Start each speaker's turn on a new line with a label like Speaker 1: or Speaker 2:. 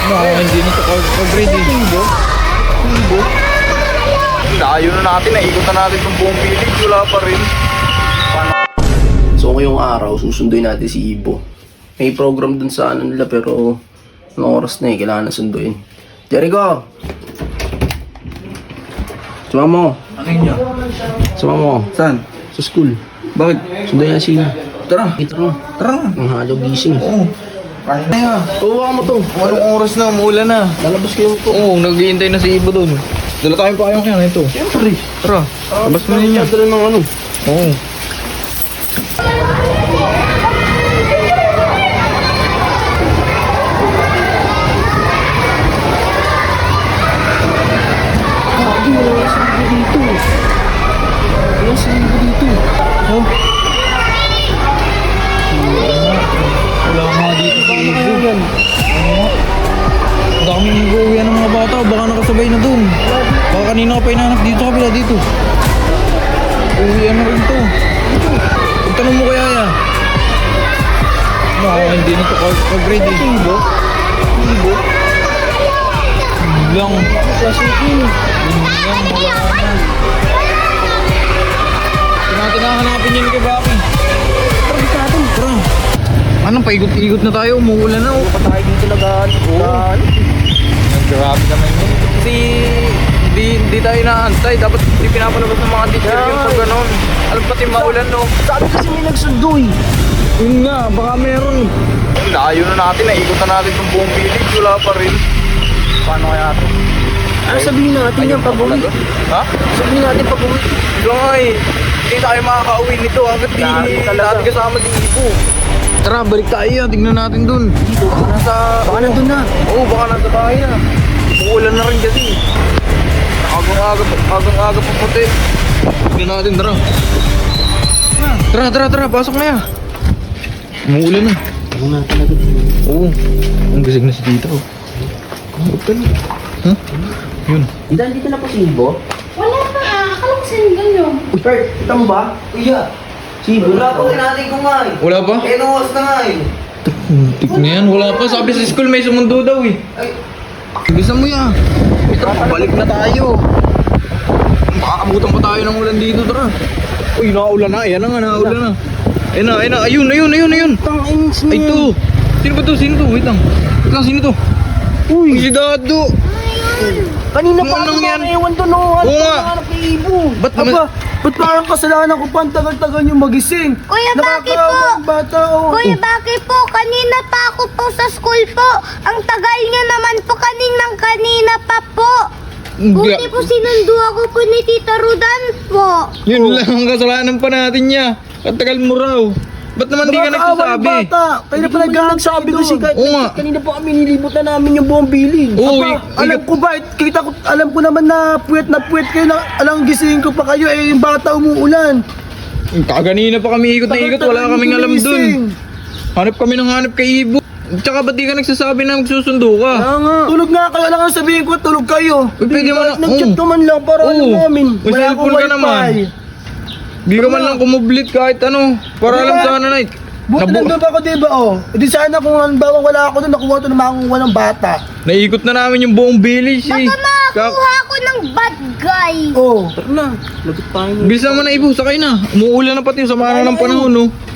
Speaker 1: Hindi na ito pag-grade eh.
Speaker 2: Ibo?
Speaker 1: Layo na natin, naikot na natin itong buong village, wala pa rin.
Speaker 2: So ngayong araw, susunduin natin si Ibo. May program dun sa ano nila pero anong oras na kailangan na sunduin. Jericho! Suma mo.
Speaker 1: Ano yun niya?
Speaker 2: Suma mo.
Speaker 1: Saan?
Speaker 2: Sa school.
Speaker 1: Bakit?
Speaker 2: Sunduin na siya.
Speaker 1: Tara!
Speaker 2: Kita mo.
Speaker 1: Tara!
Speaker 2: Ang halo gising.
Speaker 1: Oo. Kaya na nga.
Speaker 2: Tuwa mo to.
Speaker 1: Anong oras na? Umuulan na.
Speaker 2: Lalabas kayo to.
Speaker 1: Oo, nag-iintay na si Ibo doon. Dala tayong pakayong kaya ito.
Speaker 2: Siyempre.
Speaker 1: Tara, labas mo niya.
Speaker 2: Dala ng ano.
Speaker 1: Oo.
Speaker 2: Lagi wala yung sanggo dito. Wala sanggo dito.
Speaker 1: Oh. Wala nga dito si Ibo. Ang daming nag-uwian ng mga bata. Baka nakasabay na doon. Baka kanina ka pa inanak dito, kabila dito. Uwian na rin to. Pagtanong mo kaya ya. Hindi na ito pag-grade eh. Ibo? Ibo? Lang.
Speaker 2: Klasikin.
Speaker 1: Lang, wala na. Natin hahanapin yun kay Baki.
Speaker 2: Tara, sa atin.
Speaker 1: Tara. Anong paigot-igot na tayo? Umuulan na.
Speaker 2: Pa tayo dito lagaan.
Speaker 1: Grabe naman yun. Kasi hindi tayo naantay. Dapat hindi pinapalabas ng mga teacher
Speaker 2: Yeah.
Speaker 1: yun sa ganon. Alam pati maulan no.
Speaker 2: Sabi kasi may nagsundo eh.
Speaker 1: Yun nga, baka meron. Layo na natin, naikot na natin itong buong village. Wala pa rin. Paano kaya ito?
Speaker 2: Ano sabihin natin yan pag-uwi?
Speaker 1: Ha?
Speaker 2: Sabihin natin pag-uwi.
Speaker 1: Ito nga eh. Hindi tayo makaka-uwi nito hanggat di lahat kasama din Ibo. Tara, balik tayo. Tingnan natin dun.
Speaker 2: Dito, baka nandun na.
Speaker 1: Oo, baka nasa bahay na. Uulan na rin kasi. Agang-aga pa puti. Tignan natin, tara. Tara, pasok na yan. Umuulan na.
Speaker 2: Ano nga talaga?
Speaker 1: Oo. Ang gising na si Tita. Huwag na. Ha? Yun.
Speaker 2: Dito na po si Ibo?
Speaker 3: Wala pa akala ko single yun.
Speaker 2: Uy, Bert, kita mo ba? Iya. Si Ibo? Wala po, natin ko nga eh.
Speaker 1: Wala pa?
Speaker 2: Enos na nga eh.
Speaker 1: Tik na yan. Wala pa. Sabi sa school may sumundo daw eh.
Speaker 2: Ay,
Speaker 1: Bilisan mo yan. Tara, balik na tayo. Makakabutan pa tayo ng ulan dito, tara. Uy, nakaulan na. Ayan na nga, nakaulan na. Ayun na. Ayun.
Speaker 2: tangins mo.
Speaker 1: Ay, ito. Sino ba to? Wait lang, sino to? Uy, si Dado.
Speaker 2: Kanina pa
Speaker 1: Anong
Speaker 2: ako
Speaker 1: yan?
Speaker 2: ewan doon oh.
Speaker 1: Oo nga.
Speaker 2: Hanap kay Ibo.
Speaker 1: Ba't naman-
Speaker 2: Ba't parang kasalanan ko pa ang tagal-tagal yung magising?
Speaker 3: Kuya, bakit
Speaker 2: Nakakaawa
Speaker 3: po?
Speaker 2: ang bata oh.
Speaker 3: Kuya, bakit po? Kanina pa ako po sa school po. Ang tagal niya naman po kanina pa po. Buti po sinundo ako po ni Tita Rudan po.
Speaker 1: Yun lang ang kasalanan pa natin niya. Katagal mo raw. Ba't naman di ka
Speaker 2: Nakakaawa ang
Speaker 1: nagsasabi?
Speaker 2: bata. Kaya pa nagsasabi kasi
Speaker 1: Oo nga.
Speaker 2: kanina po kami nilibot na namin yung buong bilid.
Speaker 1: Oo,
Speaker 2: Alam ko ba, alam ko naman na puwet kayo na alang gisingin ko pa kayo eh yung bata umuulan.
Speaker 1: Kaganina pa kami ikot na ikot. Wala kaming alam dun. Hanap kami ng hanap kay Ibo. Tsaka ba't di ka nagsasabi na magsusundo ka?
Speaker 2: Tulog nga kayo, alam nga sabihin ko, tulog kayo.
Speaker 1: Uy, pwede mo na-
Speaker 2: Nag-chat ka man lang para
Speaker 1: Oo.
Speaker 2: alam namin.
Speaker 1: May
Speaker 2: Wala akong
Speaker 1: cellphone ka
Speaker 2: wifi.
Speaker 1: naman. Di ka man lang kumublit kahit ano. Para alam
Speaker 2: Diba?
Speaker 1: sana na
Speaker 2: Buti nandun ako diba oh. Di sana kung halimbawa wala ako doon, nakuha ito na makakuha ng bata.
Speaker 1: Naikot na namin yung buong village eh.
Speaker 3: Baka makakuha ako ng bad guy.
Speaker 2: Oh. Tara na. Lagot tayo.
Speaker 1: Bilisan mo na Ibo, sakay na. Umuulan na pati, sama na ng panahon no.